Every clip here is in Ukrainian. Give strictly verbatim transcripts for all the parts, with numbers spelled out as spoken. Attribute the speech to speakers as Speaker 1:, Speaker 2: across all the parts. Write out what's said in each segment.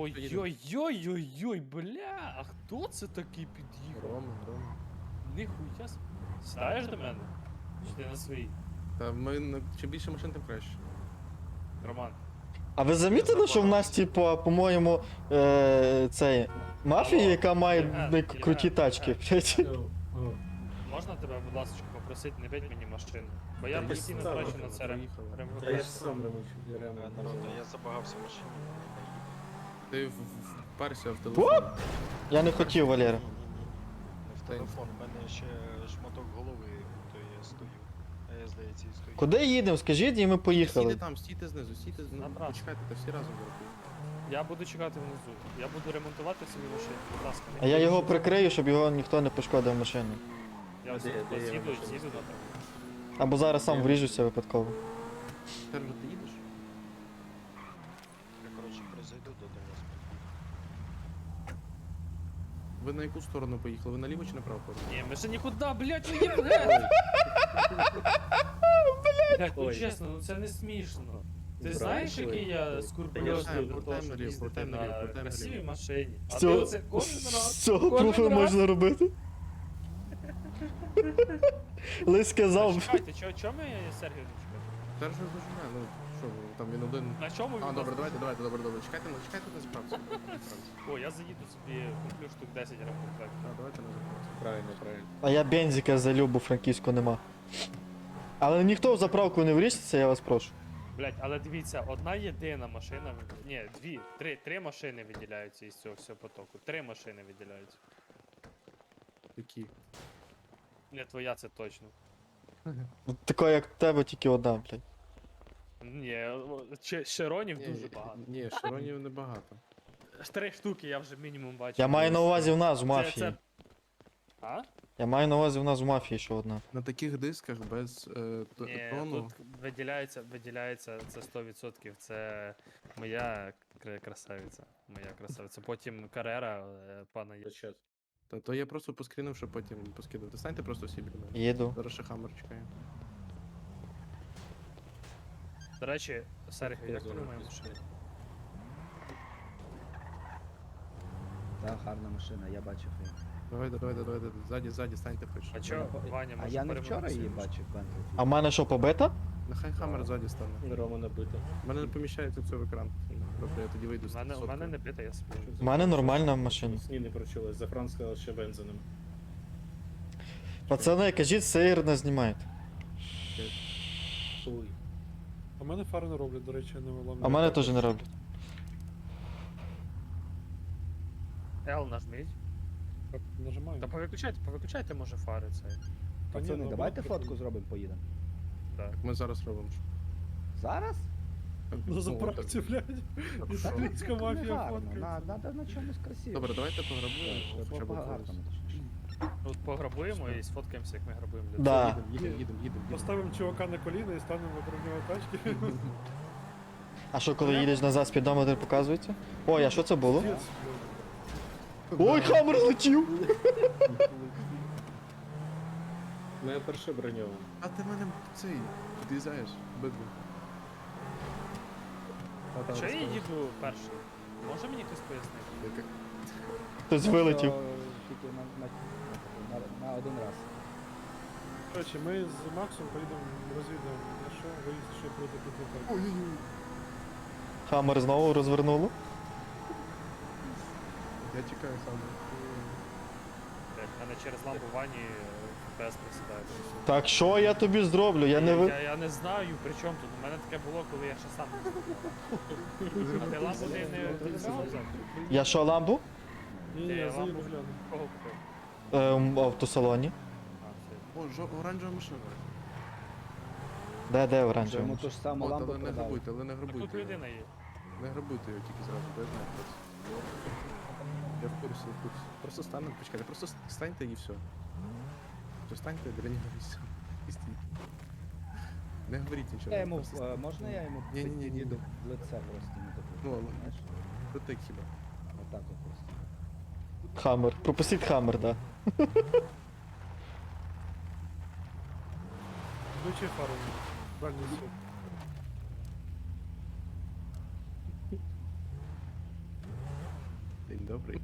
Speaker 1: Ой-ой-ой-ой-ой, бля, а хто це такий під'їхав?
Speaker 2: Рома, Рома.
Speaker 1: Ніхуя с... Сідаєш до мене? Чи ти на своїй?
Speaker 2: Та ми на- чим більше машин, тим краще.
Speaker 1: Роман.
Speaker 3: А ви замітили, що в нас, типу, по-моєму, е, цей мафія,
Speaker 1: Алло,
Speaker 3: яка має
Speaker 1: Євген,
Speaker 3: б- круті
Speaker 1: Євген,
Speaker 3: тачки? блядь?
Speaker 1: Можна тебе, будь ласка, попросити, не бить мені машину? Бо я
Speaker 2: Та
Speaker 1: постійно
Speaker 2: їх
Speaker 1: трачу
Speaker 2: саме
Speaker 1: на це рем...
Speaker 2: приїхали.
Speaker 1: рем-
Speaker 4: Та я ж сам ремонтую,
Speaker 5: Е, Народ, я забагався в машині.
Speaker 2: Ти в- в- вперся в телефон.
Speaker 3: Я не хотів, Валера.
Speaker 5: Не в телефон, в мене ще шматок голови, то я стою. А я, здається, і стою.
Speaker 3: Куди їдемо? Скажіть, і ми
Speaker 2: Стійте
Speaker 3: поїхали.
Speaker 2: там, стійте знизу, стійте знизу.
Speaker 1: Направо.
Speaker 2: Почекайте, та всі разом врахують.
Speaker 1: Я буду чекати внизу. Я буду ремонтувати собі машину, будь ласка. не
Speaker 3: А я
Speaker 1: бий.
Speaker 3: його прикрию, щоб його ніхто не пошкодив машину.
Speaker 1: Я
Speaker 4: Де-
Speaker 1: ось
Speaker 4: де
Speaker 1: тут
Speaker 4: я
Speaker 1: з'їду,
Speaker 4: машину
Speaker 1: з'їду
Speaker 4: ставлю?
Speaker 1: на
Speaker 3: Або зараз сам вріжуся випадково.
Speaker 2: Сержу, ти їдеш?
Speaker 5: Я, коротше, призайду до вас.
Speaker 2: Ви на яку сторону поїхали? Ви наліво чи направо поїхали?
Speaker 1: Ні, ми ще нікуди, блядь, ви Євген! Блядь, ну
Speaker 4: Ой.
Speaker 1: чесно, ну це не смішно. Ти
Speaker 4: Брат,
Speaker 1: знаєш,
Speaker 4: ой.
Speaker 1: який я
Speaker 4: Ой.
Speaker 1: скурпульозний
Speaker 2: Та я
Speaker 1: до того,
Speaker 2: знаю,
Speaker 1: щоб
Speaker 2: повертаємо
Speaker 1: їздити
Speaker 2: наліво,
Speaker 1: на
Speaker 2: повертаємо
Speaker 1: красивій
Speaker 2: наліво.
Speaker 1: машині. А
Speaker 3: З
Speaker 1: ти
Speaker 3: цього,
Speaker 1: оце кожен раз.
Speaker 3: з цього
Speaker 1: кожен
Speaker 3: пруфу
Speaker 1: раз.
Speaker 3: можна робити. Лис сказав.
Speaker 1: Чекайте, чо- чому я Сергію не чекаю?
Speaker 2: Сержу зажимає, ну що, ви, там він один.
Speaker 1: На чому він?
Speaker 2: А,
Speaker 1: нас-
Speaker 2: добре, давайте, давайте, добре, добре. Чекайте, на- чекайте на заправці.
Speaker 1: О, я заїду собі, куплю штук десять рахунок.
Speaker 2: Так, давайте на заправці.
Speaker 4: Правильно, правильно.
Speaker 3: А я бензика залюб, бо франківську нема. Але ніхто в заправку не вріжеться, я вас прошу.
Speaker 1: Блять, але дивіться, одна єдина машина, ні, дві, три, три машини виділяються із цього всього потоку. Три машини виділяються.
Speaker 2: Які?
Speaker 1: Не твоя, це точно.
Speaker 3: Така як в тебе, тільки одна, блядь.
Speaker 1: Ні, о, ще- Шеронів
Speaker 2: Ні,
Speaker 1: дуже багато.
Speaker 2: Ні, шаронів небагато.
Speaker 1: Три штуки я вже мінімум бачу.
Speaker 3: Я маю на увазі в нас в
Speaker 1: Це-
Speaker 3: мафії.
Speaker 1: це- А?
Speaker 3: Я маю на увазі в нас в мафії ще одна.
Speaker 2: На таких дисках без е, т-
Speaker 1: Ні,
Speaker 2: тону.
Speaker 1: тут виділяється, виділяється це сто відсотків. Це моя кра- красавиця. Моя красавиця. Потім карера е, пана Є-
Speaker 4: Сейчас.
Speaker 2: Та то я просто поскрінив, щоб потім поскидати. Станьте просто всі біля мене.
Speaker 3: Їду.
Speaker 2: Зараз ще хаммер чекає.
Speaker 1: До речі, Сергій, як
Speaker 4: Зона
Speaker 1: тобі моя
Speaker 4: пізно.
Speaker 1: машина?
Speaker 6: Так, гарна машина, я бачив її.
Speaker 2: Давайте, давайте, давайте, ззаді, ззаді, станьте хоч.
Speaker 1: А чо, Ваня,
Speaker 6: А
Speaker 1: може
Speaker 6: я не вчора її
Speaker 1: перемогти?
Speaker 6: бачив, Бентлі.
Speaker 3: А в мене що, побита?
Speaker 2: Нехай хаммер ззаді стане.
Speaker 4: Рома набито.
Speaker 2: У мене не поміщається все в екран. Добре, я тоді вийду
Speaker 1: У
Speaker 2: з
Speaker 1: мене, у
Speaker 2: соткою.
Speaker 1: мене не бита, я собі.
Speaker 3: В мене нормальна машина.
Speaker 4: Сні не прочулась, за Франц сказав, ще бензином.
Speaker 3: Пацани, кажіть, сир не знімаєте.
Speaker 4: Хуй.
Speaker 7: А в мене фари не роблять, до речі, не виламляють.
Speaker 3: А в мене теж не роблять.
Speaker 1: L нажміть.
Speaker 7: Так, нажимаю.
Speaker 1: Та повиключайте, повиключайте, може, фари цей.
Speaker 7: Та ні,
Speaker 6: Пацани,
Speaker 7: ну,
Speaker 6: давайте
Speaker 7: воно
Speaker 6: фотку зробимо, поїдемо.
Speaker 1: Так.
Speaker 2: Ми зараз робимо.
Speaker 6: Зараз?
Speaker 2: Так,
Speaker 7: На
Speaker 2: ну,
Speaker 7: заправці, блядь.
Speaker 2: так,
Speaker 7: І
Speaker 2: що?
Speaker 7: Українська
Speaker 6: Не
Speaker 7: мафія
Speaker 6: гарно,
Speaker 7: фоткається.
Speaker 6: на- надо на чомусь красивому.
Speaker 2: Добре, давайте пограбуємо. Хоча б
Speaker 6: Гарно,
Speaker 2: колись.
Speaker 6: точніше.
Speaker 1: От пограбуємо і сфоткаємося, як ми грабуємо людей.
Speaker 3: Да.
Speaker 2: Їдемо, їдемо, їдемо, їдемо.
Speaker 7: Поставимо чувака на коліна і станемо вокруг нього тачки.
Speaker 3: А що, коли їдеш назад, спідометр показується? Ой, а що це було?
Speaker 7: Пиздец,
Speaker 3: Ой, хамер летів!
Speaker 4: Моя перша броньована.
Speaker 2: А ти мене цей під'їжджаєш, бидло.
Speaker 1: А чого я їду перший? Може мені хтось пояснити?
Speaker 3: Хтось вилетів.
Speaker 6: Що Тільки на, на, на, на один раз.
Speaker 7: Коротше, ми з Максом поїдемо розвідаємо, на що виїзд, що буде підлітати.
Speaker 3: Хамер знову розвернуло.
Speaker 2: Я чекаю сам.
Speaker 1: Блять, в мене через лампу Вані ФПС присідає.
Speaker 3: Так що я тобі зроблю? Я не
Speaker 1: я,
Speaker 3: ви.
Speaker 1: я, я не знаю, при чому тут. У мене таке було, коли я ще сам не знав. А ти лампу не, не, не взяв?
Speaker 3: Я що, ламбу?
Speaker 7: Ні, ні,
Speaker 1: Ти
Speaker 7: я
Speaker 1: лампу
Speaker 7: заїду гляну.
Speaker 1: кого купив?
Speaker 3: Ем, в автосалоні.
Speaker 1: А, все.
Speaker 2: О, жо, оранжева машина.
Speaker 3: Де, де
Speaker 6: Що
Speaker 3: оранжева?
Speaker 6: йому ту ж саму
Speaker 2: От,
Speaker 6: лампу
Speaker 2: але не
Speaker 6: продали.
Speaker 2: грабуйте, але не
Speaker 1: Так тут
Speaker 2: грабуйте. його.
Speaker 1: людина є.
Speaker 2: Не грабуйте його тільки зразу, бо я знаю хтось. Я в курсі, в курсі. Просто станьте, почекайте, просто с- станьте і все. Просто станьте біля нього і все. І стійте. Не говоріть нічого.
Speaker 6: Я йому,
Speaker 2: просто
Speaker 6: е, можна я йому
Speaker 2: Ні, ні, ні, ні.
Speaker 6: під'їду в лице просто не таку,
Speaker 2: Ну, але-
Speaker 6: знаєш?
Speaker 2: Протик хіба.
Speaker 6: Отак от просто.
Speaker 3: Хаммер. Пропустіть хаммер, да.
Speaker 7: Включи фару. Дальній світ.
Speaker 2: добрий.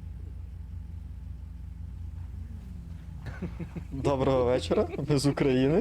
Speaker 3: Доброго вечора, ми з України.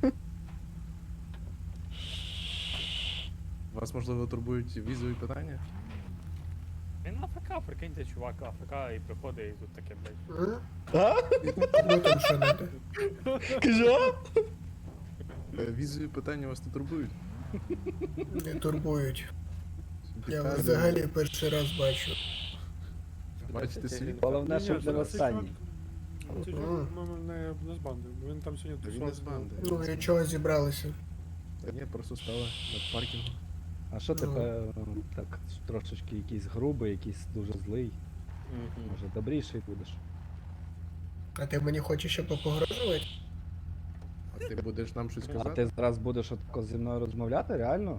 Speaker 2: Вас, можливо, турбують візові питання?
Speaker 1: Він АФК, прикиньте, чувак, АФК і приходить і тут таке, блядь.
Speaker 3: А?
Speaker 8: Ну там що надо?
Speaker 3: Кажу?
Speaker 2: Е, Візові питання вас не турбують?
Speaker 8: Не турбують. Я вас
Speaker 2: Вітаю.
Speaker 8: взагалі перший раз бачу.
Speaker 2: Бачите світ?
Speaker 6: Головне,
Speaker 7: Ні,
Speaker 6: щоб
Speaker 7: ні,
Speaker 6: не
Speaker 7: це-
Speaker 6: останній.
Speaker 7: Це чувак, ну, не, не з банди, бо він там сьогодні
Speaker 2: Він не з
Speaker 7: тусувався.
Speaker 2: банди.
Speaker 8: Ну і чого зібралися?
Speaker 2: Та ні, просто стали на паркінгу.
Speaker 6: А що
Speaker 8: Ну.
Speaker 6: тепер так трошечки якийсь грубий, якийсь дуже злий? Може, добріший будеш?
Speaker 8: А ти мені хочеш ще попогрожувати?
Speaker 2: А ти будеш нам щось
Speaker 6: А
Speaker 2: казати?
Speaker 6: ти зараз будеш отако зі мною розмовляти, реально?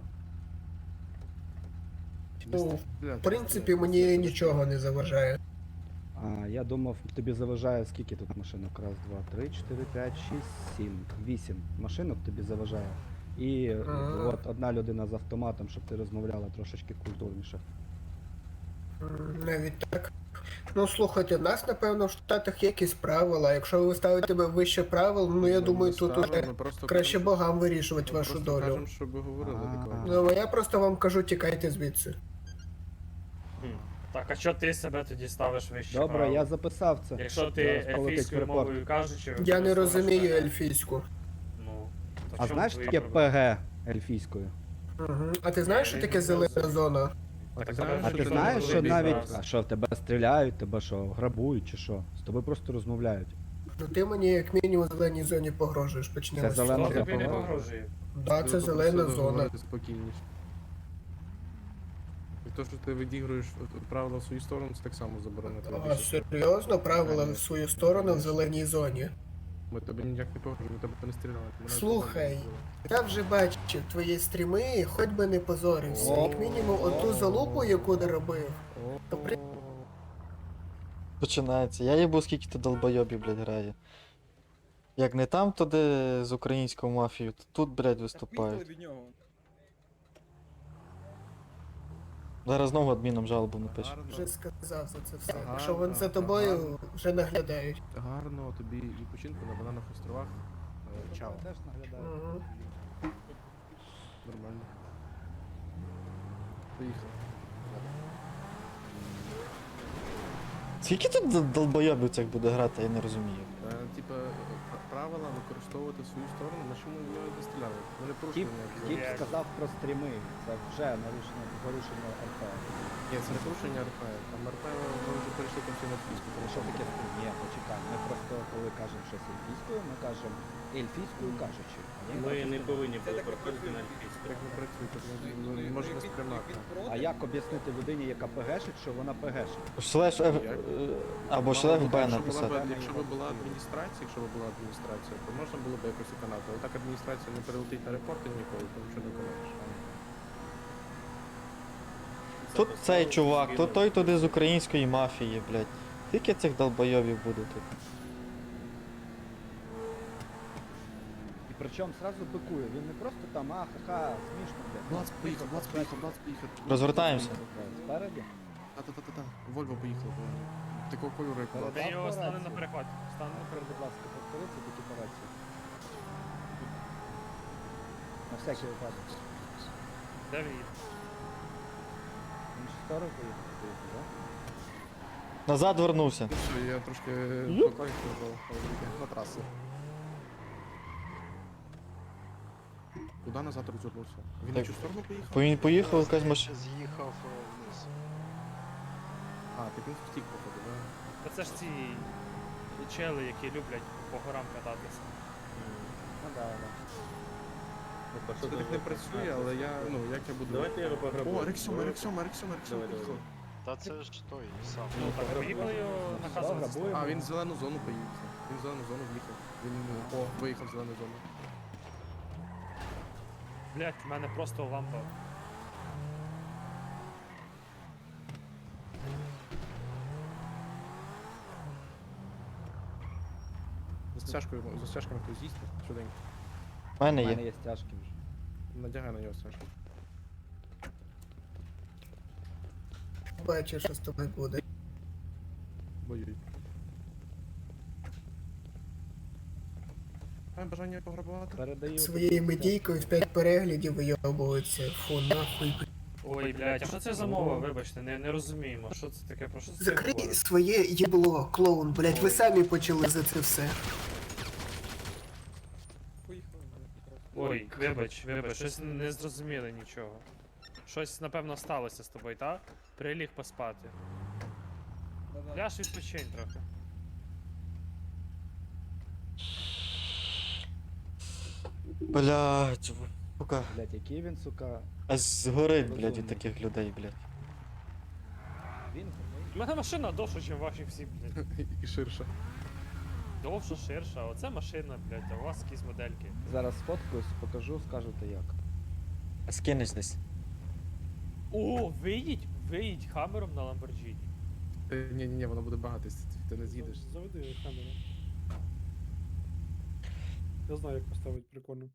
Speaker 8: Ну, в принципі, мені нічого не заважає.
Speaker 6: А я думав, тобі заважає скільки тут машинок? Раз, два, три, чотири, п'ять, шість, сім, вісім машинок тобі заважає. І е,
Speaker 8: Ага.
Speaker 6: от одна людина з автоматом, щоб ти розмовляла трошечки культурніше.
Speaker 8: М, Навіть так. Ну слухайте, в нас, напевно, в Штатах є якісь правила. Якщо ви ставите тебе вище правил, ну я думаю, тут уже краще богам вирішувати вашу долю.
Speaker 2: Кажемо, щоб ви говорили
Speaker 6: А.
Speaker 2: адекватно.
Speaker 8: Ну, а я просто вам кажу, тікайте звідси.
Speaker 1: Так, а що ти себе тоді ставиш вище?
Speaker 6: Добре,
Speaker 1: правил?
Speaker 6: я записав це.
Speaker 1: Якщо ти
Speaker 6: Зараз полетить
Speaker 1: ельфійською
Speaker 6: репорт.
Speaker 1: мовою кажучи...
Speaker 8: Я не
Speaker 1: використовуєш
Speaker 8: розумію
Speaker 1: мене,
Speaker 8: ельфійську.
Speaker 1: Ну, то
Speaker 6: А
Speaker 1: в чому
Speaker 6: знаєш
Speaker 1: твої
Speaker 6: таке
Speaker 1: проблеми?
Speaker 6: ПГ ельфійською?
Speaker 8: Угу. А ти знаєш, що таке зелена зона?
Speaker 2: А ти
Speaker 1: Так,
Speaker 2: знаєш,
Speaker 6: А
Speaker 1: що
Speaker 6: ти
Speaker 1: ти
Speaker 6: знаєш,
Speaker 1: не
Speaker 6: що
Speaker 1: розумієш
Speaker 6: навіть.
Speaker 1: зараз?
Speaker 6: А що, в тебе стріляють, тебе що, грабують чи що? З тобою просто розмовляють.
Speaker 8: Ну ти мені як мінімум в зеленій зоні погрожуєш, почнемо.
Speaker 6: Це
Speaker 8: з
Speaker 6: зелена
Speaker 8: цього.
Speaker 1: Хто тобі не
Speaker 6: погрожує.
Speaker 1: погрожує?
Speaker 8: Да, це зелена зона.
Speaker 2: Спокійніше. І то, що ти відігруєш правила в свою сторону, це так само заборонено.
Speaker 8: А серйозно, правила в свою сторону в зеленій зоні.
Speaker 2: Ми тебе ніяк не погрожуємо, ми тебе не стріляли. Ми навіть
Speaker 8: Слухай,
Speaker 2: не зробили.
Speaker 8: я вже бачив твої стріми, хоч би не позорився. Як мінімум оту залупу, яку не робив. То при-
Speaker 3: Починається. Я їбу, скільки ти долбойобів, блядь, грає. Як не там, то де з українською мафією, то тут, блядь, виступають. Зараз знову адміном жалобу напишу.
Speaker 2: Гарно,
Speaker 8: Вже сказав за це все.
Speaker 2: Ага,
Speaker 8: Якщо вони за
Speaker 2: ага,
Speaker 8: тобою
Speaker 2: ага.
Speaker 8: вже наглядають.
Speaker 2: гарно тобі відпочинку на бананах островах. Е, Чао.
Speaker 6: Теж наглядаю.
Speaker 8: Угу.
Speaker 2: Нормально. Поїхали.
Speaker 3: Скільки тут дол- долбойобів цих буде грати, я не розумію.
Speaker 2: Е, Типа пр- правила використовувати в свою сторону, на чому ми не стріляли. Ми не
Speaker 6: Тіп,
Speaker 2: порушили ніякі
Speaker 6: тіп
Speaker 2: закони.
Speaker 6: сказав про стріми. Це вже нарушення порушення РП.
Speaker 2: Ні, це не порушення РП. Там РП ми вже перейшли там всі на фізику.
Speaker 6: Ну, що таке стрім? Ні, почекай. Ми просто коли кажемо щось ельфійською, ми кажемо ельфійською кажучи. А вони
Speaker 4: Ми
Speaker 6: кажуть,
Speaker 4: не
Speaker 6: що-
Speaker 4: повинні були проходити на ельфійську.
Speaker 2: Так не працює, так не, не, не можна сприймати.
Speaker 6: А як об'яснити людині, яка пегешить, що вона пегешить?
Speaker 3: Шлеш F...
Speaker 2: Як?
Speaker 3: е, або
Speaker 2: Мало
Speaker 3: шлеш
Speaker 2: бути,
Speaker 3: Б
Speaker 2: якщо була
Speaker 3: написати.
Speaker 2: б- Якщо б була адміністрація, якщо б була адміністрація, то можна було б якось виконати. Але так адміністрація не перелетить на репорти ніколи, тому що не виконаєш.
Speaker 3: Тут цей чувак, то той туди з української мафії, блядь. Скільки цих долбойобів буде тут?
Speaker 6: І причому зразу бикує. Він не просто там, а, ха-ха, смішно, блядь.
Speaker 2: Блац поїхав, Блац поїхав, Блац поїхав.
Speaker 3: Розвертаємося.
Speaker 6: Спереді?
Speaker 2: Та-та-та-та. Вольво поїхала, Вольво. Такого кольору, як Блац.
Speaker 1: Ти його стане на
Speaker 6: Операція.
Speaker 1: перехват. Стане на
Speaker 6: Тепер, будь ласка, повториться такі операції. На всякий випадок.
Speaker 1: Де він?
Speaker 6: В іншу сторону поїхав, поїхав, да?
Speaker 3: Назад вернувся.
Speaker 2: Ну все, я трошки
Speaker 3: Юп.
Speaker 2: покончив на трасу. Куди назад розвернувся? Він
Speaker 3: Так.
Speaker 2: на цю сторону поїхав?
Speaker 3: Бо він поїхав, якась
Speaker 5: Здається,
Speaker 3: машина.
Speaker 5: З'їхав е, вниз.
Speaker 2: А, так він втік, походу, да?
Speaker 1: Та це ж ці чели, які люблять по горам кататися.
Speaker 6: Ну да, да.
Speaker 2: Це так не працює, але я, ну, як я буду...
Speaker 4: Давайте я його пограбую.
Speaker 2: О, Рексьома, Рексьома, Рексьома, Рексьома
Speaker 4: Давай,
Speaker 2: поїхав.
Speaker 5: Та це ж той сам.
Speaker 1: Ну, так поїхали його наказувати.
Speaker 6: Грабуємо.
Speaker 2: А, він в зелену зону поїхав. Він в зелену зону в'їхав. Він, о, виїхав в зелену зону.
Speaker 1: Блять, в мене просто лампа.
Speaker 2: За стяжкою, за стяжками хтось з'їсти, швиденько.
Speaker 3: У мене
Speaker 6: У мене
Speaker 3: є.
Speaker 6: є стяжки вже.
Speaker 2: Надягай на нього стяжку.
Speaker 8: Бачиш, що з тобою буде.
Speaker 2: Ой-ой. Маємо бажання пограбувати?
Speaker 6: Передаю.
Speaker 8: Своєю медійкою в п'ять переглядів вийобується. Фу, нахуй.
Speaker 1: Ой, блядь, а що це за мова? Вибачте, не, не розуміємо. Що це таке? Про що це
Speaker 8: Закрий
Speaker 1: говорить?
Speaker 8: своє єбло, клоун, блять, ви самі почали за це все.
Speaker 1: Ой, вибач, вибач, щось не зрозуміли нічого. Щось, напевно, сталося з тобою, так? Приліг поспати. Ляж відпочинь трохи.
Speaker 3: Блядь, в- сука.
Speaker 6: Блять, який він, сука.
Speaker 3: Аж згорить, блядь, від
Speaker 6: Розумний.
Speaker 3: таких людей, блядь.
Speaker 6: Він
Speaker 1: У мене машина довша, ніж ваші всі, блядь.
Speaker 2: І ширше.
Speaker 1: Довша, ширша, а оце машина, блядь, а у вас якісь модельки.
Speaker 6: зараз сфоткаюсь, покажу, скажете як.
Speaker 3: А скинеш десь.
Speaker 1: О, виїдь, виїдь хамером на Ламборджині.
Speaker 2: Ти, ні, ні, ні, воно буде багатись, ти не з'їдеш.
Speaker 7: Заведи камеру. Я знаю, як поставити прикольно.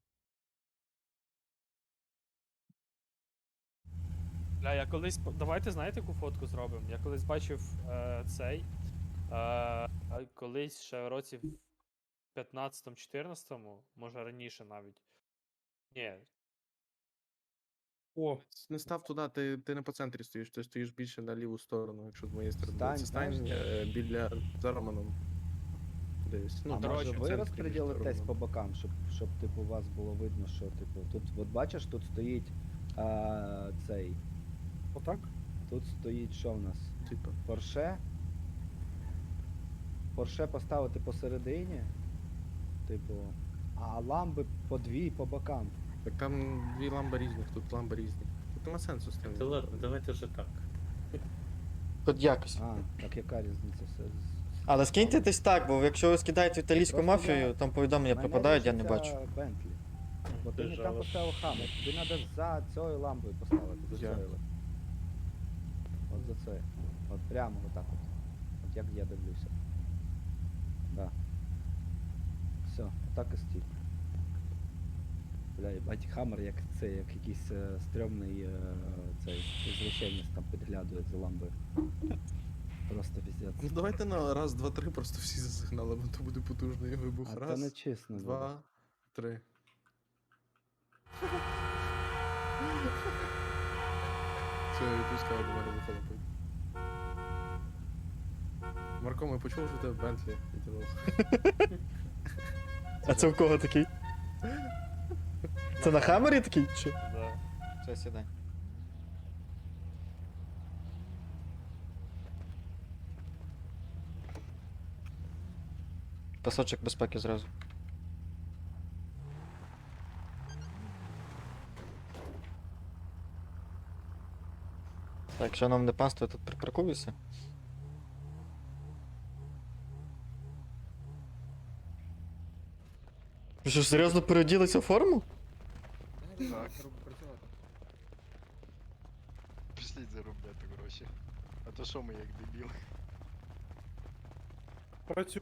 Speaker 1: Бля, я колись. по- Давайте знаєте, яку фотку зробимо? Я колись бачив е, цей. Е, а колись ще в році в п'ятнадцятому-чотирнадцятому, може раніше навіть. Ні.
Speaker 7: О,
Speaker 2: Не став туди, ти, ти не по центрі стоїш, ти стоїш більше на ліву сторону, якщо з моєї сторони.
Speaker 6: Стань,
Speaker 2: Це стань
Speaker 6: знаєш,
Speaker 2: е, біля за Романом. Десь. Ну,
Speaker 6: а
Speaker 2: коротше,
Speaker 6: може
Speaker 2: в
Speaker 6: ви
Speaker 2: центрі між
Speaker 6: розподілитесь по
Speaker 2: Романом.
Speaker 6: бокам, щоб, щоб типу вас було видно, що типу. Тут, от бачиш, тут стоїть а, цей.
Speaker 7: отак?
Speaker 6: Тут стоїть що в нас?
Speaker 2: Типа.
Speaker 6: Порше. Порше поставити посередині. Типу. А ламби по дві по бокам.
Speaker 2: Так там дві ламби різних, тут ламби різні. Тут нема сенсу з
Speaker 4: Та
Speaker 2: тим.
Speaker 4: ладно, давайте вже так.
Speaker 3: Хоч якось.
Speaker 6: А, так яка різниця? Все з-
Speaker 3: Але скиньте десь так, бо якщо ви скидаєте італійську
Speaker 6: Просто
Speaker 3: мафію,
Speaker 6: я-
Speaker 3: там повідомлення
Speaker 6: Мене
Speaker 3: пропадають, я не
Speaker 6: різниця
Speaker 3: бачу.
Speaker 6: Бентлі. Бо ти не там
Speaker 4: Держава.
Speaker 6: поставив хамер. Тобі треба за цією лампою поставити. За
Speaker 2: Я.
Speaker 6: цією. От за це. От прямо отак от. От як я дивлюся. Да. Все, отак і стій. Бля, їбать, хамер як це, як якийсь е, стрьомний е, цей извращенець там підглядує за ламбою. Просто
Speaker 2: Ну
Speaker 6: піздець.
Speaker 2: давайте на раз, два, три просто всі засигнали, бо то буде потужний вибух.
Speaker 6: А це
Speaker 2: Раз,
Speaker 6: не чесно. буде.
Speaker 2: два, три. Все, я відпускаю, до мене вихолопить. Марко, ми почули, що у тебе Бентлі відділилося.
Speaker 3: А це в кого такий? Це на хамері такий? Чи?
Speaker 1: Да.
Speaker 3: Все, сідай. Пасочок безпеки зразу. Так, шановне панство, я тут припаркуюся. Ви що, серйозно переоділися в форму?
Speaker 5: Пішліть заробляти гроші. А то що ми як дебіли?
Speaker 7: Працюю.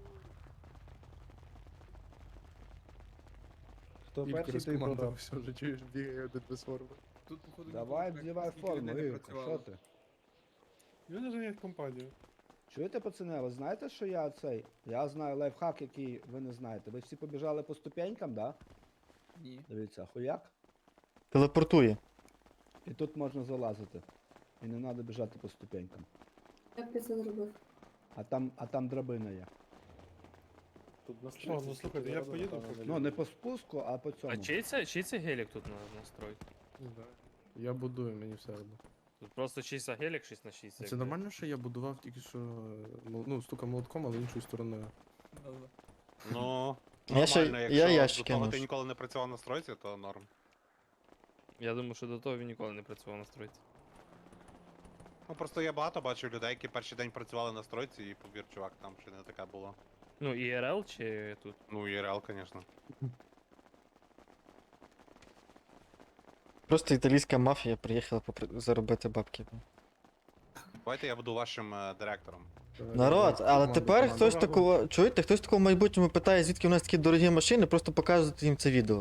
Speaker 6: Хто
Speaker 2: Ігор
Speaker 6: перший, той
Speaker 2: розкомандував,
Speaker 6: продав.
Speaker 2: все, вже чуєш, бігає один без форми.
Speaker 9: Тут, походу,
Speaker 6: Давай,
Speaker 9: ніхто
Speaker 6: вдівай
Speaker 9: скільки
Speaker 6: форму,
Speaker 9: людей не
Speaker 6: Ігорка, що
Speaker 9: працювало.
Speaker 6: ти?
Speaker 7: Мене зайнять компанію.
Speaker 6: Чуєте, пацани, ви знаєте, що я цей? Я знаю лайфхак, який ви не знаєте. Ви всі побіжали по ступенькам, да?
Speaker 9: Ні.
Speaker 6: Дивіться, хуяк.
Speaker 3: Телепортує.
Speaker 6: І тут можна залазити. І не треба біжати по ступенькам.
Speaker 10: Як ти це зробив?
Speaker 6: А там, а там драбина є.
Speaker 7: Що, ну слухайте, я поїду поки.
Speaker 6: Ну, не по спуску, а по цьому.
Speaker 1: А чий це, чий це гелік тут на, настрой?
Speaker 2: Не знаю. Я будую, мені все одно.
Speaker 1: Тут просто чийся гелік шість на шість.
Speaker 2: Це нормально, що я будував тільки що, е, мол- ну, стука молотком, але іншою стороною.
Speaker 11: Ну,
Speaker 3: Я ще-
Speaker 11: нормально,
Speaker 3: я
Speaker 11: якщо
Speaker 3: ящики
Speaker 11: до того
Speaker 3: ношу.
Speaker 11: ти ніколи не працював на стройці, то норм.
Speaker 1: Я думаю, що до того він ніколи не працював на стройці.
Speaker 11: Ну просто я багато бачив людей, які перший день працювали на стройці, і повір, чувак, там ще не таке було.
Speaker 1: Ну, і ар ел чи тут?
Speaker 11: Ну, і реал, звісно.
Speaker 3: Просто італійська мафія приїхала попри- заробити бабки.
Speaker 11: Давайте я буду вашим е, директором.
Speaker 2: Давай,
Speaker 3: Народ,
Speaker 2: давай,
Speaker 3: але
Speaker 2: команду,
Speaker 3: тепер
Speaker 2: команду.
Speaker 3: хтось такого. Чуєте, хтось такого в майбутньому питає, звідки у нас такі дорогі машини, просто показувати їм це відео.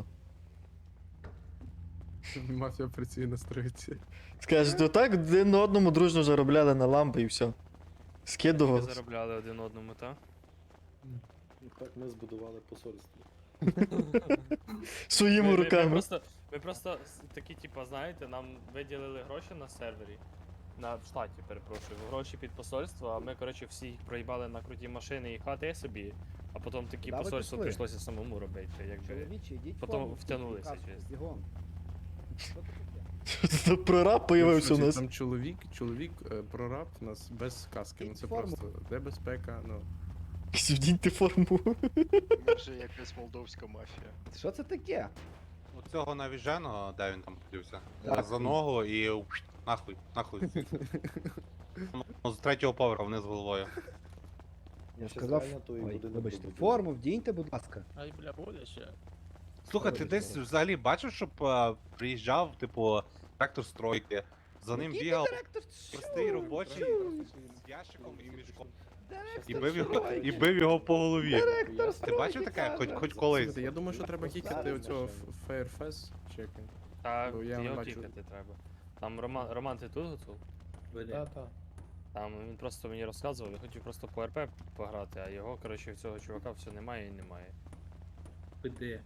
Speaker 2: Мафія працює на стройці.
Speaker 3: Скажуть, отак один на одному дружно заробляли на ламби і все.
Speaker 1: Ви
Speaker 3: Скидували.
Speaker 1: заробляли один одному, так?
Speaker 4: Так ми збудували посольство.
Speaker 3: Своїми
Speaker 1: Ми, ми, ми
Speaker 3: руками.
Speaker 1: просто, ми просто с- такі, типа, знаєте, нам виділили гроші на сервері. На в штаті, перепрошую, гроші під посольство, а ми, коротше, всі їх проїбали на круті машини і хати собі, а потім такі
Speaker 6: Куда ви
Speaker 1: посольство
Speaker 6: пішли?
Speaker 1: прийшлося самому робити, якби.
Speaker 6: Чоловічі, йдіть
Speaker 1: Потім
Speaker 6: форму,
Speaker 1: втягнулися,
Speaker 6: каску,
Speaker 1: чесно.
Speaker 6: бігом. Що це таке?
Speaker 3: Тут прораб появився у
Speaker 2: Слухай,
Speaker 3: нас.
Speaker 2: Там чоловік, чоловік, е, прораб у нас без каски. Ну це
Speaker 6: Форму.
Speaker 2: просто де безпека, ну.
Speaker 3: Вдіньте форму.
Speaker 5: Ми вже якась молдовська мафія.
Speaker 6: Що це таке?
Speaker 11: У цього навіженого, де він там подівся?
Speaker 6: Так,
Speaker 11: За
Speaker 6: він.
Speaker 11: ногу і уш, нахуй, нахуй. Ну, з третього поверху вниз головою.
Speaker 6: Я ж
Speaker 4: Ще
Speaker 6: сказав,
Speaker 4: зайнято і
Speaker 6: ой,
Speaker 4: будинок
Speaker 6: вибачте,
Speaker 4: добудує.
Speaker 6: форму вдіньте, будь ласка.
Speaker 1: Ай, бля, буде ще.
Speaker 11: Слухай, ти
Speaker 6: Добре,
Speaker 11: десь
Speaker 6: добре.
Speaker 11: взагалі бачив, щоб е, приїжджав, типу, трактор стройки, за ним
Speaker 6: Який
Speaker 11: бігав
Speaker 6: директор?
Speaker 11: простий робочий
Speaker 6: Чу.
Speaker 11: з ящиком і мішком.
Speaker 6: Директор
Speaker 11: І бив його,
Speaker 6: стройки.
Speaker 11: і бив його по голові.
Speaker 6: Директор
Speaker 11: Ти бачив
Speaker 6: стройки,
Speaker 11: таке? Хоч,
Speaker 6: каже.
Speaker 11: хоч колись.
Speaker 2: Слухайте, я думаю, що треба кікати
Speaker 6: Зараз
Speaker 2: оцього Fairface чекай.
Speaker 1: Та
Speaker 2: Бо я не
Speaker 1: його
Speaker 2: бачу.
Speaker 1: кікати треба. Там Роман, Роман, ти тут готов?
Speaker 7: Та-та.
Speaker 1: Там він просто мені розказував, я хотів просто по РП пограти, а його, коротше, в цього чувака все немає і немає.
Speaker 4: Де?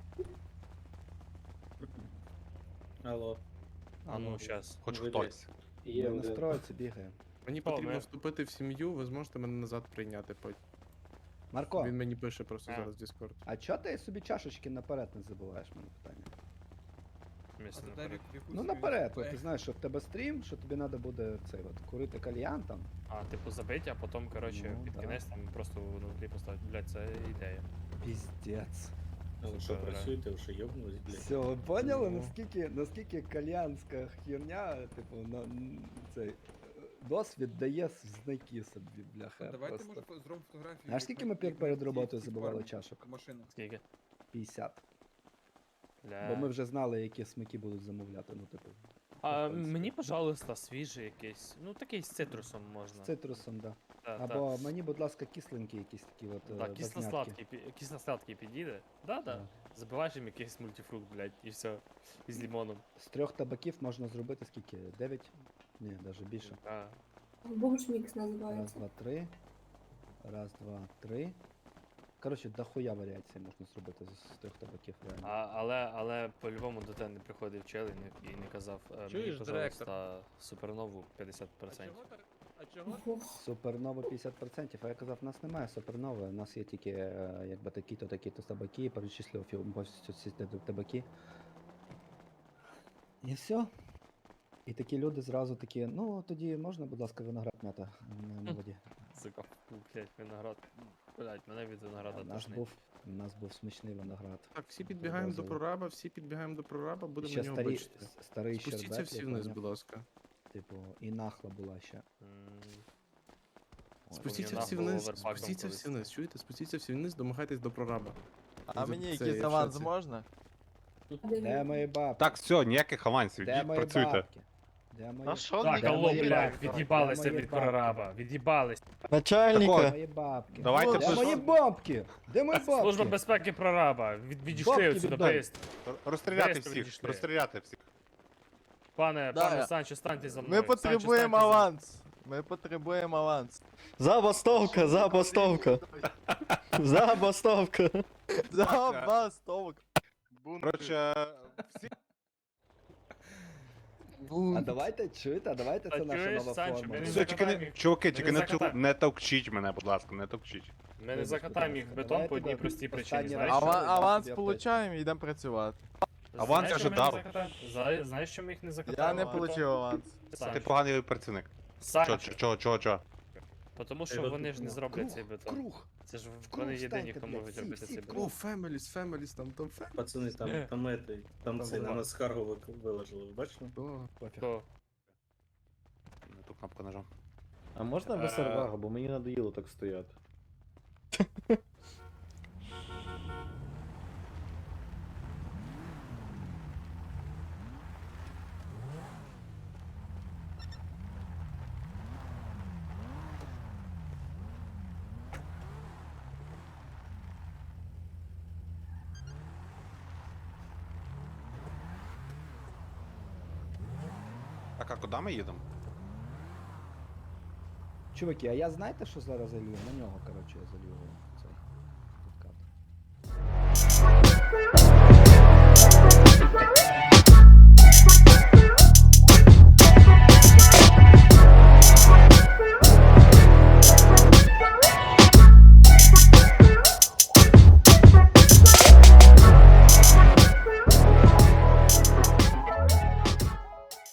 Speaker 4: Алло.
Speaker 1: А ну, щас.
Speaker 11: Хоч
Speaker 4: Ви
Speaker 11: хтось.
Speaker 4: Є
Speaker 6: Ми на
Speaker 4: один.
Speaker 6: стройці бігаємо.
Speaker 2: Мені
Speaker 1: О,
Speaker 2: потрібно
Speaker 1: ми-
Speaker 2: вступити в сім'ю, ви зможете мене назад прийняти потім.
Speaker 6: Марко,
Speaker 2: Він мені пише просто
Speaker 1: А.
Speaker 2: зараз в Discord.
Speaker 6: а чого ти собі чашечки наперед не забуваєш, мене питання?
Speaker 1: Місце наперед.
Speaker 6: Ну наперед, от ти знаєш, що в тебе стрім, що тобі треба буде цей от курити кальян там.
Speaker 1: А, типу забити, а потім, коротше,
Speaker 6: Ну,
Speaker 1: під
Speaker 6: да.
Speaker 1: кінець там просто внутрі поставити. Блядь, це ідея.
Speaker 6: Піздець.
Speaker 4: Але що
Speaker 1: Супер,
Speaker 4: працюєте, вже йобнулись, блядь.
Speaker 6: Все, ви поняли,
Speaker 1: Ну.
Speaker 6: наскільки, наскільки кальянська херня, типу, на н- цей е, досвід дає в знаки собі, бляха.
Speaker 9: Давайте
Speaker 6: просто.
Speaker 9: може зробимо фотографію.
Speaker 6: Знаєш, скільки ми пер- перед роботою забивали чашок?
Speaker 9: Машину.
Speaker 1: Скільки?
Speaker 6: п'ятдесят.
Speaker 1: Бля.
Speaker 6: Бо ми вже знали, які смаки будуть замовляти, ну типу.
Speaker 1: А,
Speaker 6: в принципі.
Speaker 1: мені, пожалуйста, свіжий якийсь. Ну, такий з цитрусом можна.
Speaker 6: З цитрусом, да.
Speaker 1: Та, та.
Speaker 6: Або мені, будь ласка, кисленькі якісь такі от.
Speaker 1: Да,
Speaker 6: е, базнятки.
Speaker 1: кисло-сладкий, пі- кисло-сладкий підійде. Да, да.
Speaker 6: Да.
Speaker 1: Забиваєш їм якийсь мультифрукт, блядь, і все. І з лимоном.
Speaker 6: З трьох табаків можна зробити скільки? Дев'ять? Ні, навіть більше.
Speaker 1: А.
Speaker 10: Бушмікс
Speaker 6: Раз,
Speaker 10: називається.
Speaker 6: два, три. Раз, два, три. Коротше, дохуя варіацій можна зробити з з трьох табаків реально.
Speaker 1: А, але, але по-любому до тебе не приходив чел і не, і не казав, е, мені,
Speaker 9: Чуєш,
Speaker 1: пожалуйста, супернову п'ятдесят відсотків.
Speaker 9: А чого?
Speaker 10: Ох,
Speaker 6: Супернова п'ятдесят відсотків, а я казав, у нас немає супернови, у нас є тільки е, якби такі-то, такі-то табаки, і перечислив фільм повністю ці та- табаки. І все. І такі люди зразу такі, ну тоді можна, будь ласка, виноград м'ята на, на воді.
Speaker 1: Сука, фу, блядь, виноград. Блядь, мене від винограда
Speaker 6: У нас
Speaker 1: тошнить.
Speaker 6: був, у нас був смачний виноград.
Speaker 2: Так, всі підбігаємо до
Speaker 6: Одразу.
Speaker 2: прораба, всі підбігаємо до прораба, будемо
Speaker 6: Ще
Speaker 2: на нього
Speaker 6: старі,
Speaker 2: бачити.
Speaker 6: с- старий
Speaker 2: Спустіться
Speaker 6: щербет,
Speaker 2: всі
Speaker 6: я
Speaker 2: вниз,
Speaker 6: поняв.
Speaker 2: будь ласка.
Speaker 6: Типу, і нахла була ще.
Speaker 1: М,
Speaker 6: Ой,
Speaker 2: Спустіться
Speaker 1: Вона
Speaker 2: всі
Speaker 1: була
Speaker 2: вниз,
Speaker 1: оверпаком
Speaker 2: спустіться
Speaker 1: колись.
Speaker 2: всі вниз, чуєте? Спустіться всі вниз, домагайтесь до прораба.
Speaker 12: А
Speaker 2: За
Speaker 12: мені
Speaker 2: це
Speaker 12: якийсь
Speaker 2: я в
Speaker 12: аванс
Speaker 2: шоці.
Speaker 12: можна?
Speaker 6: Де мої бабки?
Speaker 11: Так, все, ніяких авансів,
Speaker 6: Де
Speaker 11: йдіть,
Speaker 6: мої
Speaker 11: працюйте.
Speaker 6: бабки? Де мої...
Speaker 5: А що
Speaker 1: Так,
Speaker 6: Де
Speaker 1: алло,
Speaker 6: мої
Speaker 1: блядь,
Speaker 6: бабки?
Speaker 1: від'їбалися
Speaker 6: Де мої
Speaker 1: від
Speaker 6: бабки?
Speaker 1: прораба, від'їбались.
Speaker 3: Начальника.
Speaker 6: Мої бабки.
Speaker 11: Давайте
Speaker 6: Де
Speaker 11: пиш-
Speaker 6: мої бабки? Де мої бабки?
Speaker 1: Служба безпеки прораба, від, відійшли
Speaker 6: Бабки
Speaker 1: отсюди,
Speaker 6: віддай.
Speaker 1: бейст.
Speaker 11: Розстріляти
Speaker 1: Десь
Speaker 11: всіх,
Speaker 1: відійшли.
Speaker 11: розстріляти всіх.
Speaker 1: Пане,
Speaker 12: Да,
Speaker 1: пане
Speaker 12: я-
Speaker 1: Санчо, станьте за мною.
Speaker 12: Ми
Speaker 1: Санчо,
Speaker 12: потребуємо
Speaker 1: станьте за-
Speaker 12: аванс. Ми потребуємо аванс.
Speaker 3: Забастовка, забастовка. Забастовка.
Speaker 12: Забастовок.
Speaker 11: Коротше, всі
Speaker 6: А давайте, чуєте, а давайте
Speaker 1: Та
Speaker 6: це наша
Speaker 1: чуєш,
Speaker 6: нова
Speaker 1: Санчо,
Speaker 6: форма.
Speaker 1: ми не
Speaker 11: все, тільки не,
Speaker 1: закатаємо.
Speaker 11: чуваки, тільки не,
Speaker 1: не
Speaker 11: ту-
Speaker 1: закатаємо.
Speaker 11: не товчіть мене, будь ласка, не товчіть.
Speaker 1: Ми не закатаємо їх в бетон
Speaker 6: Давайте
Speaker 1: по одній
Speaker 6: до-
Speaker 1: простій причині.
Speaker 6: останній
Speaker 1: Знаєш,
Speaker 6: раз.
Speaker 1: чому?
Speaker 12: Ава-
Speaker 6: що?
Speaker 12: аванс
Speaker 6: Я
Speaker 12: получаємо і йдемо працювати.
Speaker 11: Аванс
Speaker 1: Знаєш,
Speaker 11: я вже
Speaker 1: чому ми не
Speaker 11: дав.
Speaker 1: закатаємо? Зна- Знаєш, чому ми їх не закатаємо?
Speaker 12: Я не
Speaker 1: в бетон?
Speaker 12: получив аванс.
Speaker 11: Ти
Speaker 1: Санчо,
Speaker 11: поганий працівник.
Speaker 1: Санчо,
Speaker 11: Чо, чо, чо, чо?
Speaker 1: тому що вони ж не зроблять цей бетон.
Speaker 6: Круг.
Speaker 1: Це ж
Speaker 6: круг
Speaker 1: вони єдині,
Speaker 6: встаньте,
Speaker 1: хто
Speaker 6: блядь,
Speaker 1: можуть
Speaker 6: всі,
Speaker 1: робити
Speaker 6: всі
Speaker 1: цей
Speaker 6: в
Speaker 1: бетон.
Speaker 2: О, Фемеліс, Фемеліс, там, там Фемеліс.
Speaker 4: Пацани, там, там, этой, там це на нас скаргу ви- виложили, ви бачили?
Speaker 6: Пофіг.
Speaker 1: Хто?
Speaker 11: На ту кнопку нажав.
Speaker 4: А можна
Speaker 11: без
Speaker 4: сервага, бо мені надоїло так стояти.
Speaker 11: Так, а куди ми їдемо?
Speaker 6: Чуваки, а я знаєте, що зараз залью? На нього, коротше, я залью цей підкат.